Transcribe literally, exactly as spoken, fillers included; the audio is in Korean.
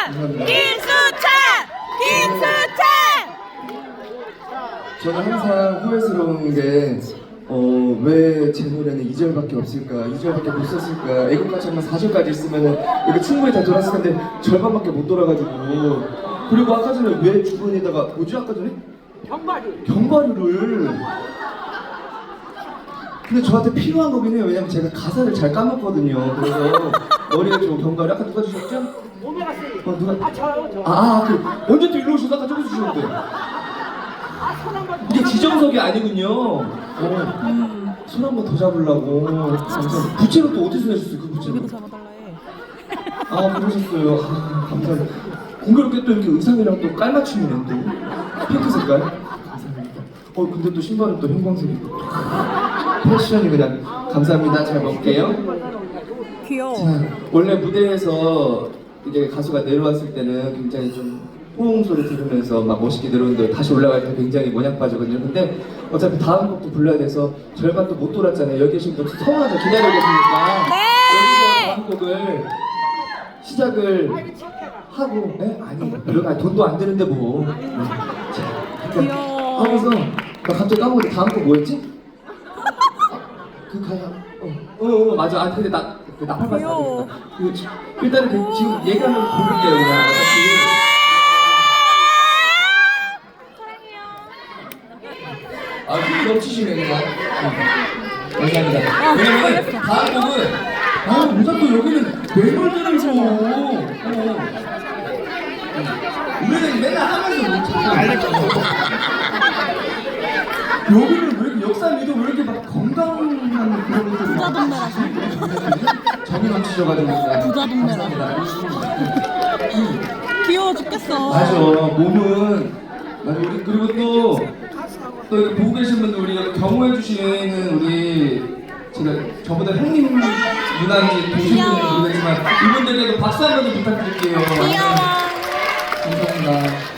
감사합니다. 김수찬! 김수찬! 저는 항상 후회스러운 게 어, 왜 제 노래는 이 절밖에 없을까, 이 절밖에 못 썼을까. 애국가치 하면 사 절까지 있으면은 이거 충분히 다 돌았을 텐데 절반밖에 못 돌아가지고. 그리고 아까 전에 왜 주변에다가 뭐지 아까 전에? 경과류. 견과류를. 근데 저한테 필요한 거긴 해요. 왜냐면 제가 가사를 잘 까먹거든요. 그래서 머리에 좀 견과류 아까 누가 주셨죠? 오메가 삼. 어 누가? 아 저요 저. 아, 아 그 언제 또 일로 오셔서 아까 저거 주셨는데. 아손 한번. 이게 지정석이 아니군요. 어. 손 한 번 더 잡으려고. 감사합니다. 부채는 또 어디서 내셨어요? 그 부채는? 잡아달라 해. 아 그러셨어요. 아, 감사합니다. 공교롭게 또 이렇게 의상이랑 또 깔맞춤이네 또. 핑크 색깔. 감사합니다. 어 근데 또 신발은 또 형광색이. 패션이 그냥. 감사합니다. 잘 먹을게요. 귀여워. 자, 원래 무대에서 이게 가수가 내려왔을 때는 굉장히 좀 호응 소리 들으면서 막 멋있게 내려오는데 다시 올라갈 때 굉장히 모냥 빠지거든요. 근데 어차피 다음 곡도 불러야 돼서 절반 또 못 돌았잖아요. 여기 계신 분들 서운하죠. 기다리고 계시니까 네! 여기서 다음 곡을 시작을 하고. 네? 아니 별로 돈도 안 드는데 뭐. 네. 자, 그러니까 귀여워. 하면서 나 갑자기 까먹었는데 다음 곡 뭐였지? 그 가사. 어, 어, 어 맞아. 아 근데 나 그 나팔 봤어. 귀여워. 그, 일단은 그, 지금 얘기하면 고를게요 그냥. 어차피. 아, 그 넘치시네 그냥. 응. 감사합니다. 왜냐면 다음 곡은 아, 왜 자꾸 여기는 매물들을 줘. 어. 우리는 맨날 하면서 못 찾아. 여기는 왜 이렇게 역사 미도 왜 이렇게 막 건강한 그런 것들. 부자 동네라서. 정이 넘치셔가지고. 부자 동네라. 감사합니다. 귀여워 죽겠어. 맞아. 몸은 맞아. 우리 그리고 또 또 이렇게 보고 계신 분들 우리 경호해 주시는 우리 제가 저보다 형님 누나인지 동생인지 귀여워. 모르겠지만 이분들에게도 박수 한 번 좀 부탁드릴게요. 귀여워. 감사합니다.